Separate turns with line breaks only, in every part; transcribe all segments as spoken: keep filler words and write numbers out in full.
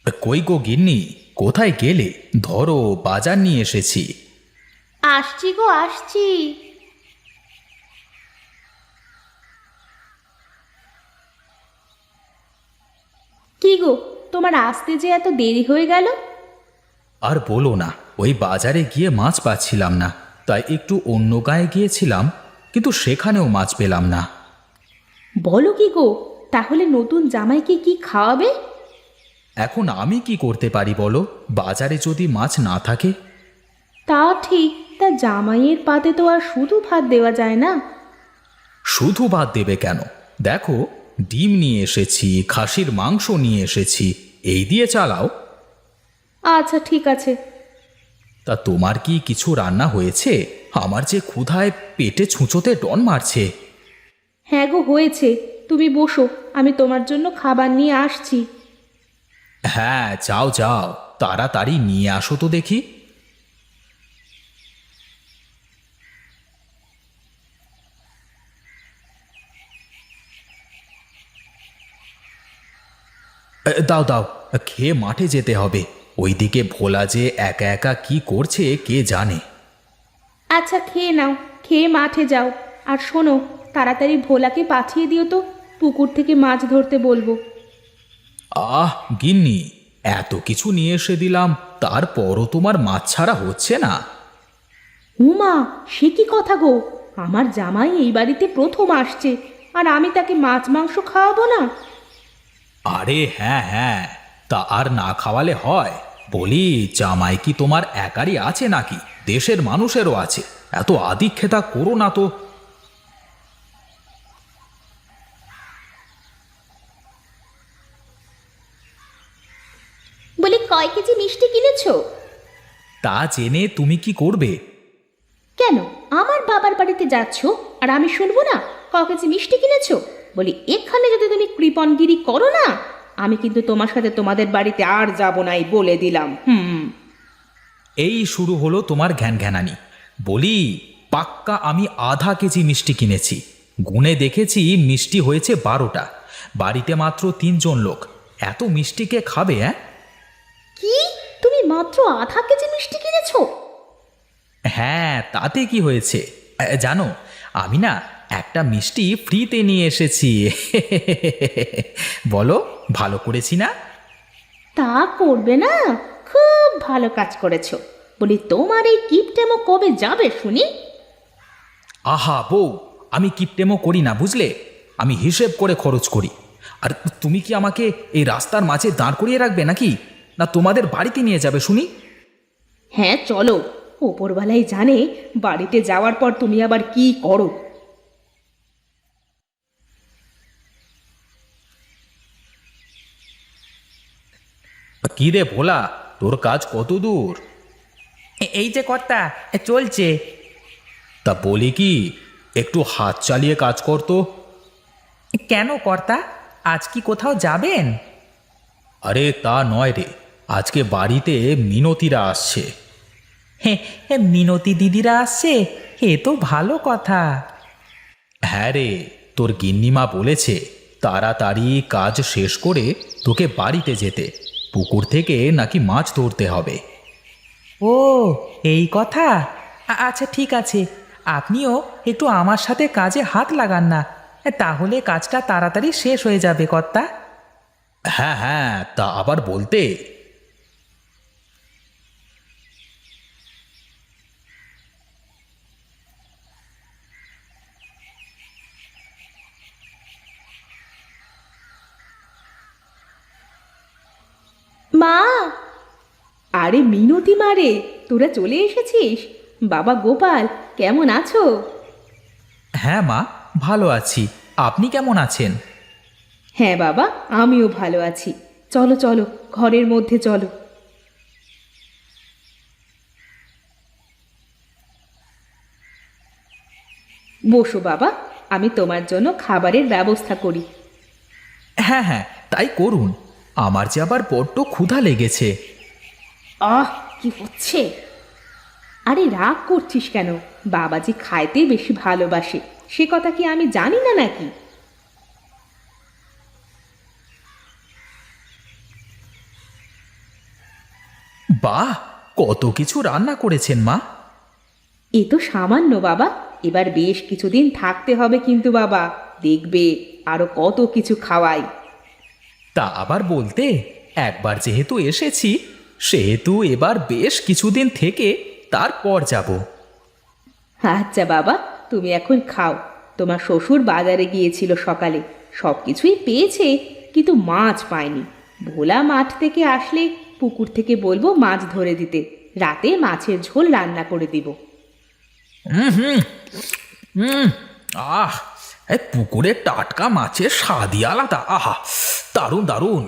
কই গো গিন্নি, কোথায় গেলে? ধরো, বাজার নিয়ে এসেছি।
আসছি গো আসছি। কি গো, তোমার আসতে যে এত দেরি হয়ে গেল?
আর বলো না, ওই বাজারে গিয়ে মাছ পাচ্ছিলাম না, তাই একটু অন্য গায়ে গিয়েছিলাম, কিন্তু সেখানেও মাছ পেলাম না।
বলো কি গো, তাহলে নতুন জামাইকে কি খাওয়াবে?
এখন আমি কি করতে পারি বলো, বাজারে যদি মাছ না থাকে?
তা ঠিক, তা জামাইয়ের পাতে তো আর শুধু ভাত দেওয়া যায় না।
শুধু ভাত দেবে কেন? দেখো, ডিম নিয়ে এসেছি, খাসির মাংস নিয়ে এসেছি, এই দিয়ে চালাও।
আচ্ছা ঠিক আছে।
তা তোমার কি কিছু রান্না হয়েছে? আমার যে ক্ষুধায় পেটে ছুঁচোতে ডন মারছে।
হ্যাঁ গো হয়েছে, তুমি বসো, আমি তোমার জন্য খাবার নিয়ে আসছি।
হ্যাঁ, যাও যাও, তাড়াতাড়ি নিয়ে আসো তো দেখি। এ, দাও দাও, খেয়ে মাঠে যেতে হবে। ওইদিকে ভোলা যে একা একা কি করছে কে জানে।
আচ্ছা খেয়ে নাও, খেয়ে মাঠে যাও। আর শোনো, তাড়াতাড়ি ভোলাকে পাঠিয়ে দিও তো, পুকুর থেকে মাছ ধরতে বলবো।
আহ গিন্নি, এত কিছু নিয়ে এসে দিলাম, তারপরও তোমার মাছ ছাড়া হচ্ছে না।
উমা, সে কি কথা গো! আমার জামাই এই বাড়িতে প্রথম আসছে, আর আমি তাকে মাছ মাংস খাওয়াবো না?
আরে হ্যাঁ হ্যাঁ, তা আর না খাওয়ালে হয়? বলি, জামাই কি তোমার একারই আছে নাকি দেশের মানুষেরও আছে? এত আদিক্ষেতা করো না তো।
বলি, কয় কেজি মিষ্টি কিনেছো?
তা জেনে তুমি কি করবে?
কেন, আমার বাবার বাড়িতে যাচ্ছ আর আমি শুনবো না? ক কেজি মিষ্টি কিনেছো? বলি, এখানে যদি তুমি কৃপণগিরি করো না, আমি কিন্তু তোমার সাথে তোমাদের বাড়িতে আর যাব নাই বলে দিলাম। হুম।
এই শুরু হলো তোমার ঘ্যান ঘ্যানানি। বলি, পাক্কা আমি আধা কেজি মিষ্টি কিনেছি। গুনে দেখেছি মিষ্টি হয়েছে বারোটা। বাড়িতে মাত্র তিনজন লোক, এত মিষ্টি কে খাবে? হ্যাঁ
কি, তুমি মাত্র আধা কেজি মিষ্টি কিনেছো?
হ্যাঁ, তাতে কি হয়েছে? এ, জানো, আমি না একটা মিষ্টি ফ্রিতে নিয়ে এসেছি। বলো, ভালো করেছি না?
তা করবে না, খুব ভালো কাজ করেছো। বলি, তোমার এই কিপটেমো কবে যাবে শুনি?
আহা বউ, আমি কিপটেমো করি না বুঝলে, আমি হিসেব করে খরচ করি। আর তুমি কি আমাকে এই রাস্তার মাঝে দাঁড় করিয়ে রাখবে নাকি, না তোমাদের বাড়িতে নিয়ে যাবে শুনি?
হ্যাঁ চলো, ওপরওয়ালাই জানে বাড়িতে যাওয়ার পর তুমি আবার কি করো।
কি রে ভোলা, তোর কাজ কত দূর?
এই যে কর্তা, চলছে।
তা বলি কি, একটু হাত চালিয়ে কাজ কর তো।
কেন কর্তা, আজ কি কোথাও যাবেন?
আরে তা নয় রে, আজকে বাড়িতে মিনতিরা আসছে।
হে হে, মিনতি দিদিরা আসছে, এ তো ভালো কথা।
হ্যাঁ রে, তোর গিন্নিমা বলেছে তাড়াতাড়ি কাজ শেষ করে তোকে বাড়িতে যেতে, পুকুর থেকে নাকি মাছ ধরতে হবে।
ও, এই কথা। আ- আচ্ছা ঠিক আছে, আপনিও একটু আমার সাথে কাজে হাত লাগান না, তাহলে কাজটা তাড়াতাড়ি শেষ হয়ে যাবে কর্তা।
হ্যাঁ হ্যাঁ, তা আবার বলতে।
মা! আরে মিনতি মারে, তোরা চলে এসেছিস? বাবা গোপাল, কেমন আছো?
হ্যাঁ মা, ভালো আছি। আপনি কেমন আছেন?
হ্যাঁ বাবা, আমিও ভালো আছি। চলো চলো, ঘরের মধ্যে চলো। বসো বাবা, আমি তোমার জন্য খাবারের ব্যবস্থা করি।
হ্যাঁ হ্যাঁ, তাই করুন। আমার যে আবার বড্ড ক্ষুধা লেগেছে।
আহ, কি হচ্ছে! আরে রাগ করছিস কেন? বাবাজি খাইতে বেশি ভালোবাসে, সে কথা কি আমি জানি না নাকি?
বাহ, কত কিছু রান্না করেছেন মা।
এ তো সামান্য বাবা, এবার বেশ কিছুদিন থাকতে হবে কিন্তু বাবা, দেখবে আরো কত কিছু খাওয়াই।
তা আবার বলতে, একবার যেহেতু এসেছি সেহেতু এবার বেশ কিছুদিন থেকে তারপর যাব।
আচ্ছা বাবা, তুমি এখন খাও। তোমার শ্বশুর বাজারে গিয়েছিল সকালে, সব কিছুই পেয়েছে কিন্তু মাছ পায়নি। ভোলা মাঠ থেকে আসলে পুকুর থেকে বলবো মাছ ধরে দিতে, রাতে মাছের ঝোল রান্না করে দিব।
হুম হুম হুম আহ এই পুকুরের টাটকা মাছের স্বাদই আলাদা। আহা, দারুণ দারুণ।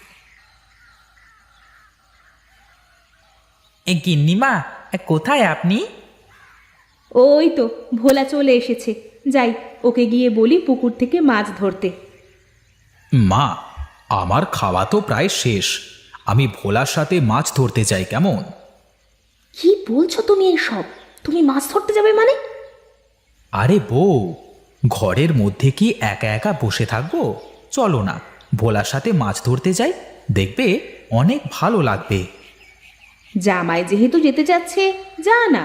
এ গিন্নিমা, এ কোথায় আপনি?
ওই তো ভোলা চলে এসেছে, যাই ওকে গিয়ে বলি পুকুর থেকে মাছ ধরতে।
মা, আমার খাওয়া তো প্রায় শেষ, আমি ভোলার সাথে মাছ ধরতে যাই কেমন?
কি বলছো তুমি এইসব? তুমি মাছ ধরতে যাবে মানে?
আরে বউ, ঘরের মধ্যে কি একা একা বসে থাকবো? চলো না, ভোলার সাথে মাছ ধরতে যাই, দেখবে অনেক ভালো লাগবে।
জামাই যেহেতু যেতে যাচ্ছে, যা না।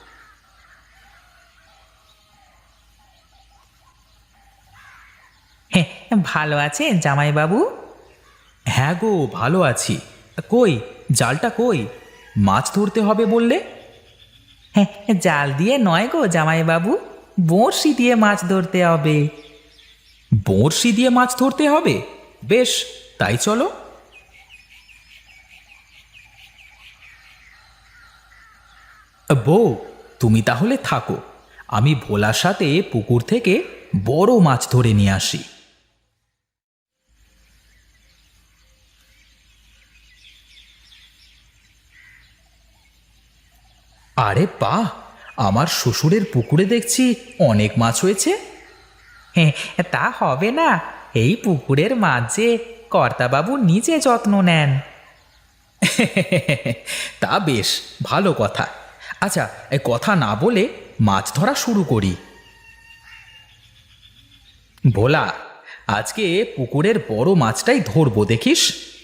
হ্যাঁ, ভালো আছেন জামাইবাবু?
হ্যাঁ গো, ভালো আছি। কই জালটা কই? মাছ ধরতে হবে বললে?
হ্যাঁ, জাল দিয়ে নয় গো জামাইবাবু, বড়শি দিয়ে মাছ ধরতে হবে।
বড়শি দিয়ে মাছ ধরতে হবে? বেশ, তাই চলো। বউ, তুমি তাহলে থাকো, আমি ভোলার সাথে পুকুর থেকে বড় মাছ ধরে নিয়ে আসি। আরে বাহ, আমার শ্বশুরের পুকুরে দেখছি অনেক মাছ হয়েছে।
হ্যাঁ, তা হবে না, এই পুকুরের মাছ যে কর্তাবাবু নিজে যত্ন নেন।
তা বেশ ভালো কথা। আচ্ছা, এ কথা না বলে মাছ ধরা শুরু করি। ভোলা, আজকে পুকুরের বড় মাছটাই ধরবো, দেখিস।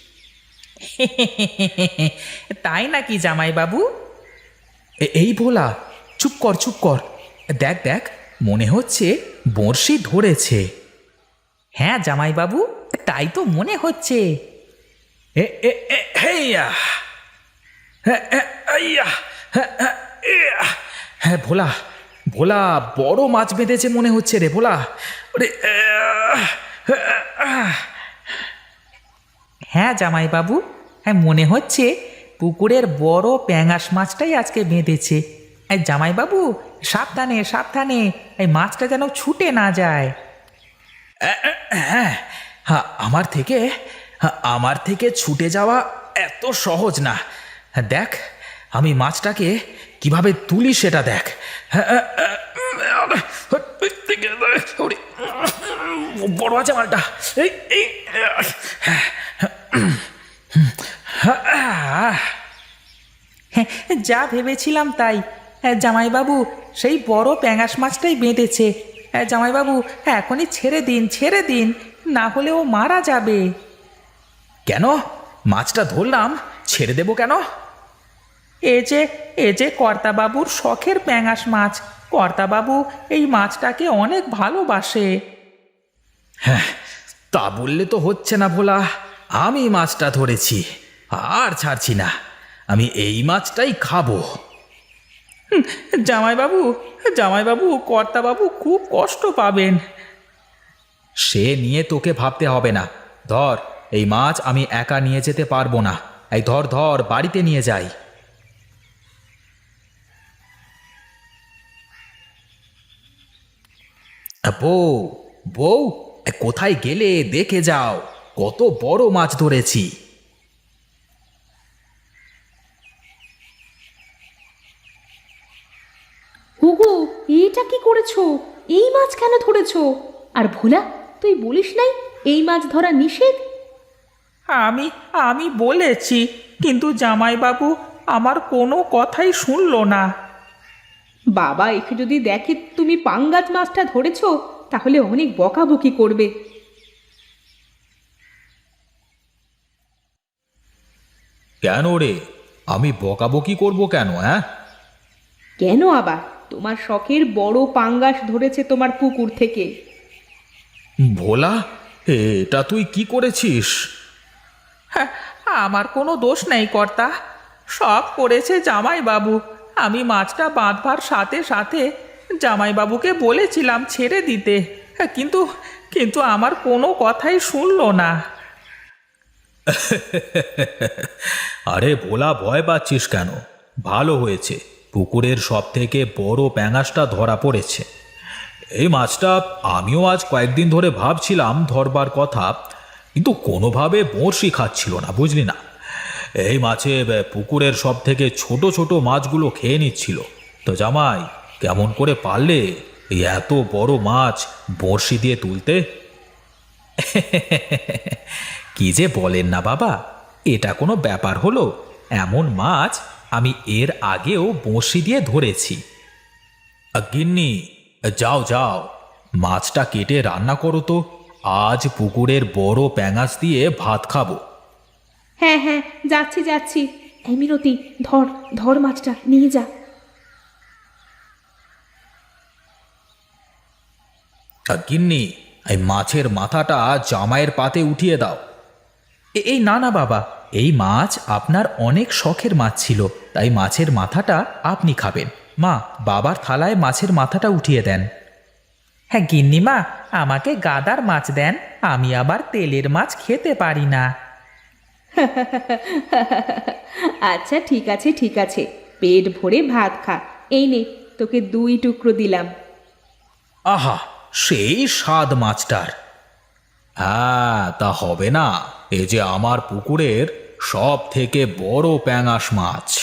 তাই নাকি জামাইবাবু?
এ- এই ভোলা, চুপ কর চুপ কর, দেখ দেখ, মনে হচ্ছে বড়শি ধরেছে।
হ্যাঁ জামাইবাবু, তাই তো মনে হচ্ছে।
এ এ এ হেইয়া, হ্যাঁ আইয়া, হ্যাঁ ইয়া। হ্যাঁ ভোলা, ভোলা বড় মাছ বেঁধেছে মনে হচ্ছে রে ভোলা। ওরে আহ, আহ।
হ্যাঁ জামাইবাবু, হ্যাঁ মনে হচ্ছে পুকুরের বড় প্যাঙাশ মাছটাই আজকে বেঁধেছে। এই জামাইবাবু, সাবধানে সাবধানে, এই মাছটা যেন ছুটে না যায়।
হ্যাঁ, হ্যাঁ, আমার থেকে হ্যাঁ, আমার থেকে ছুটে যাওয়া এত সহজ না। হ্যাঁ, দেখ আমি মাছটাকে কিভাবে তুলি সেটা দেখ। হ্যাঁ, ওরে, বড় আছে মালটা। এই এই,
হ্যাঁ, যা ভেবেছিলাম তাই। হ্যাঁ জামাইবাবু, সেই বড় প্যাঙাশ মাছটাই বেঁধেছে। হ্যাঁ জামাইবাবু, এখনই ছেড়ে দিন ছেড়ে দিন, না হলে ও মারা যাবে।
কেন মাছটা ধরলাম, ছেড়ে দেবো কেন?
এ যে এ যে কর্তাবাবুর শখের প্যাঙাশ মাছ, কর্তাবাবু এই মাছটাকে অনেক ভালোবাসে।
হ্যাঁ, তা বললে তো হচ্ছে না ভোলা, আমি মাছটা ধরেছি, আর ছাড়ছি না, আমি এই মাছটাই খাবো।
জামাইবাবু, জামাইবাবু, কর্তাবাবু খুব কষ্ট পাবেন।
সে নিয়ে তোকে ভাবতে হবে না, ধর এই মাছ আমি একা নিয়ে যেতে পারবো না, এই ধর ধর বাড়িতে নিয়ে যাই। বউ, বউ, এ কোথায় গেলে দেখে যাও, কত বড় মাছ ধরেছি।
হুগু, এটা কি করেছো? এই মাছ কেন ধরেছো? আর ভোলা, তুই বলিস নাই এই মাছ ধরা নিষেধ?
আমি আমি বলেছি, কিন্তু জামাইবাবু আমার কোনো কথাই শুনলো না।
বাবা একে যদি দেখে তুমি পাঙ্গাস মাছটা ধরেছো, তাহলে অনেক বকাবকি করবে।
কেন রে, আমি বকাবকি করব কেন? হ্যাঁ,
কেন আবার? তোমার শখের বড় পাঙ্গাস ধরেছে তোমার পুকুর থেকে।
ভোলা, এটা তুই কি করেছিস?
হ্যাঁ, আমার কোনো দোষ নেই কর্তা, সব করেছে জামাইবাবু। আমি মাছটা বাঁধবার সাথে সাথে জামাইবাবুকে বলেছিলাম ছেড়ে দিতে, হ্যাঁ, কিন্তু কিন্তু আমার কোনো কথাই শুনলো না।
আরে ভোলা, ভয় পাচ্ছিস কেন? ভালো হয়েছে, পুকুরের সব থেকে বড় প্যাঙাশটা ধরা পড়েছে। এই মাছটা আমিও আজ কয়েকদিন ধরে ভাবছিলাম ধরবার কথা, কিন্তু কোনোভাবে বড়শি খাচ্ছিল না, বুঝলি না। এই মাছে বে, পুকুরের সব থেকে ছোট ছোট মাছগুলো খেয়ে নিচ্ছিল। তো জামাই, কেমন করে পারলে এই এত বড় মাছ বড়শি দিয়ে তুলতে? কি যে বলেন না বাবা, এটা কোনো ব্যাপার হলো? এমন মাছ আমি এর আগেও বড়শি দিয়ে ধরেছি। আ, গিন্নি, যাও যাও, মাছটা কেটে রান্না করো তো। আজ পুকুরের বড় প্যাঙাশ দিয়ে ভাত খাবো।
হ্যাঁ হ্যাঁ, যাচ্ছি যাচ্ছি। এই মিনতি, ধর ধর মাছটা নিয়ে যা।
আ, গিন্নি, এই মাছের মাথাটা জামাইয়ের পাতে উঠিয়ে দাও। এ- এই না না বাবা, এই মাছ আপনার অনেক শখের মাছ ছিল, তাই মাছের মাথাটা আপনি খাবেন। মা, বাবার থালায় মাছের মাথাটা উঠিয়ে দেন।
হ্যাঁ গিন্নিমা, আমাকে গাদার মাছ দেন, আমি আবার তেলের মাছ খেতে পারি না।
আচ্ছা ঠিক আছে ঠিক আছে, পেট ভরে ভাত খা। এই নে, তোকে দুই টুকরো দিলাম।
আহা, সেই স্বাদ মাছটার! হ্যাঁ, তা হবে না, এ যে আমার পুকুরের সব থেকে বড় প্যাঙাশ মাছ।